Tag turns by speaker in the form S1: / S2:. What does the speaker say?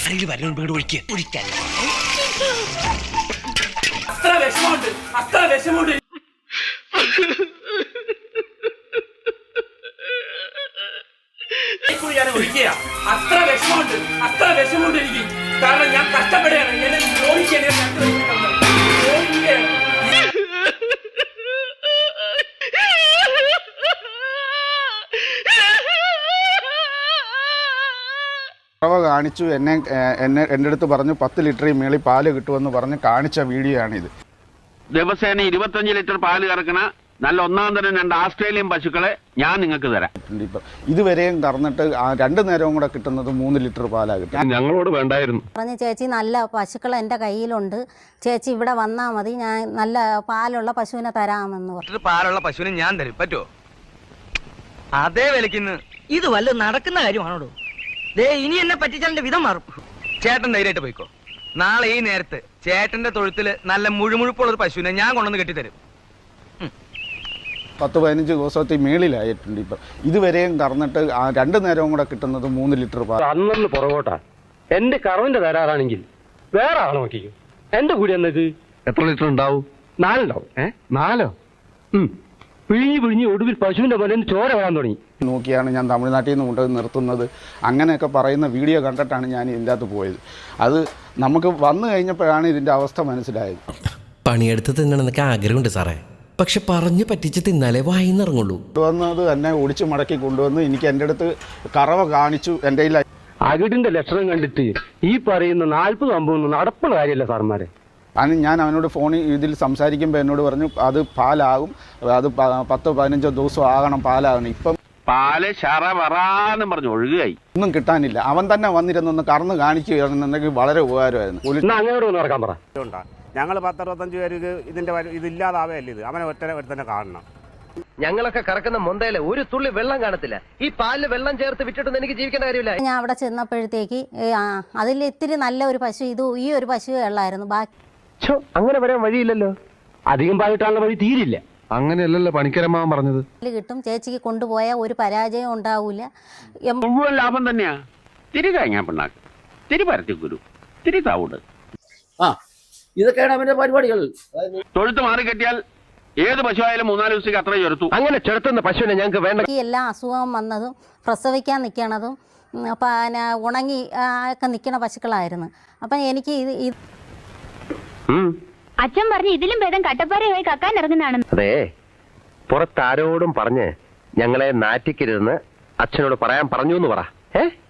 S1: അത്ര വിഷമുണ്ട് അത്ര വിഷമുണ്ട് എനിക്ക്. കാരണം ഞാൻ കഷ്ടപ്പെടുകയാണ്. എന്നെ
S2: കാണിച്ചു. എൻ്റെ അടുത്ത് പറഞ്ഞു 10 ലിറ്ററിൽ മേളിൽ പാല് കിട്ടുമെന്ന് പറഞ്ഞ് കാണിച്ച വീഡിയോ ആണിത്.
S3: ദിവസേന 25 ലിറ്റർ പാല് കറക്കണ നല്ല ഒന്നാം തരം 2 ആസ്ട്രേലിയൻ പശുക്കളെ ഞാൻ നിങ്ങൾക്ക് തരാം.
S2: ഇതുവരെയും കറന്നിട്ട് 2 നേരവും കൂടെ കിട്ടുന്നത് 3 ലിറ്റർ പാലാ കിട്ടും.
S3: ഞങ്ങളോട് വേണ്ടായിരുന്നു.
S4: പറഞ്ഞു ചേച്ചി നല്ല പശുക്കൾ എൻ്റെ കയ്യിലുണ്ട്, ചേച്ചി ഇവിടെ വന്നാൽ മതി, ഞാൻ നല്ല പാലുള്ള പശുവിനെ തരാമെന്ന് പറഞ്ഞു.
S5: പാലുള്ള പശുവിനെ ഞാൻ തരും, പറ്റുമോ? അതേ വിലക്കിന്ന് ഇത് വല്ല നടക്കുന്ന കാര്യമാണോ? ഇനി എന്നെ പറ്റിച്ചാലിന്റെ വിധം മാറും. ചേട്ടൻ ധൈര്യമായിട്ട് പോയിക്കോ. നാളെ ഈ നേരത്ത് ചേട്ടന്റെ തൊഴുത്തില് നല്ല മുഴുമുഴുപ്പുള്ള ഒരു പശുവിനെ ഞാൻ കൊണ്ടുവന്ന് കെട്ടിത്തരും.
S2: 10-15 ദിവസത്തിൽ മേളിലായിട്ടുണ്ട്. ഇപ്പം ഇതുവരെയും കറന്നിട്ട് 2 നേരവും കൂടെ കിട്ടുന്നത് 3 ലിറ്റർ പാൽ.
S6: അന്നു പുറകോട്ടാ. എന്റെ കറവിന്റെ തരാറാണെങ്കിൽ വേറെ ആളെ നോക്കിക്കും. എന്റെ കൂടി എന്നത്
S3: എത്ര ലിറ്റർ ഉണ്ടാവും?
S6: 4 ഉണ്ടാവും. 4? പിഴിഞ്ഞ് ഒടുവിൽ പശുവിന്റെ പോലെ ചോര വരാൻ തുടങ്ങി.
S2: നോക്കിയാണ് ഞാൻ തമിഴ്നാട്ടിൽ നിന്ന് കൊണ്ടുപോയി നിർത്തുന്നത്. അങ്ങനെയൊക്കെ പറയുന്ന വീഡിയോ കണ്ടിട്ടാണ് ഞാൻ ഇതിൻ്റെ അകത്ത് പോയത്. അത് നമുക്ക് വന്നു കഴിഞ്ഞപ്പോഴാണ് ഇതിൻ്റെ അവസ്ഥ മനസ്സിലായത്.
S7: പണിയെടുത്ത് തിന്നണമെന്നൊക്കെ ആഗ്രഹമുണ്ട് സാറേ, പക്ഷെ പറഞ്ഞു പറ്റിച്ച് തിന്നാലേ വായിന്നിറങ്ങുള്ളൂ.
S2: കൊണ്ടുവന്നത് തന്നെ ഒടിച്ചു മടക്കി കൊണ്ടുവന്ന് എനിക്ക് എൻ്റെ അടുത്ത് കറവ കാണിച്ചു. എൻ്റെ
S6: അകിടിന്റെ ലക്ഷണം കണ്ടിട്ട് ഈ പറയുന്ന 40-50 നടപ്പുള്ള കാര്യമല്ല സാർമാരെ.
S2: അതിന് ഞാൻ അവനോട് ഫോണിൽ ഇതിൽ സംസാരിക്കുമ്പോൾ എന്നോട് പറഞ്ഞു അത് പാലാകും, അത് 10-15 ദിവസം ആകണം പാലാകണം. ഇപ്പം
S3: പാല് ശറവറാന്നും പറഞ്ഞു ഒഴുകുകയായി.
S2: ഒന്നും കിട്ടാനില്ല. അവൻ തന്നെ വന്നിരുന്നൊന്ന് കറന്ന് കാണിക്കുകയാണെന്നുണ്ടെങ്കിൽ വളരെ ഉപകാരമായിരുന്നു.
S6: അങ്ങോട്ട് ഒന്ന് നടക്കാൻ പറ.
S8: ഞങ്ങൾ 10-65 പേർക്ക് ഇതില്ലാതാവല്ലേ ഇത്. അവനെ ഒറ്റ തന്നെ കാണണം.
S5: ഞങ്ങളൊക്കെ കറക്കുന്ന മൊന്തയില് ഒരു തുള്ളി വെള്ളം കാണത്തില്ല. ഈ പാലില് വെള്ളം ചേർത്ത് വിറ്റിട്ടൊന്നും എനിക്ക് ജീവിക്കേണ്ട കാര്യമില്ല.
S4: ഞാൻ അവിടെ ചെന്നപ്പോഴത്തേക്ക് അതിൽ ഇത്തിരി നല്ല ഒരു പശു ഈ ഒരു പശു ഉള്ളായിരുന്നു. ബാക്കി
S6: അങ്ങനെ വരാൻ വഴിയില്ലല്ലോ. അധികം പാലിട്ടാനുള്ള വഴി തീരില്ല.
S3: അങ്ങനെയല്ലല്ലോ പണിക്കരമാവൻ പറഞ്ഞത്.
S4: കിട്ടും, ചേച്ചിക്ക് കൊണ്ടുപോയാൽ ഒരു പരാജയം ഉണ്ടാവൂല.
S3: മുഴുവൻ ലാഭം തന്നെയാ. തിരി കഴിഞ്ഞാ പിണ്ണാക്ക്, തിരി പരത്തിക്കുരു, തിരി താവൂട്.
S5: ഇതൊക്കെയാണ് അവന്റെ പരിപാടികൾ.
S3: തൊഴുത്ത് മാറിക്കെട്ടിയാൽ ഏത് പശുവായാലും 3-4 ദിവസത്തേക്ക് അത്ര ചെറുത്തു.
S6: അങ്ങനെ ചെറുത്തുന്ന പശുവിനെ ഞങ്ങൾക്ക് വേണ്ട.
S4: എല്ലാ അസുഖം വന്നതും പ്രസവിക്കാൻ നിൽക്കണതും പിന്നെ ഉണങ്ങി ഒക്കെ നിൽക്കണ പശുക്കളായിരുന്നു. അപ്പം എനിക്ക്
S9: അച്ഛൻ പറഞ്ഞു ഇതിലും ഭേദം കട്ടപ്പാറയായി കക്കാൻ ഇറങ്ങുന്നതാണ്.
S6: അതെ, പുറത്താരോടും പറഞ്ഞ് ഞങ്ങളെ നാറ്റിക്കരുതെന്ന് അച്ഛനോട് പറയാൻ പറഞ്ഞു എന്ന് പറ.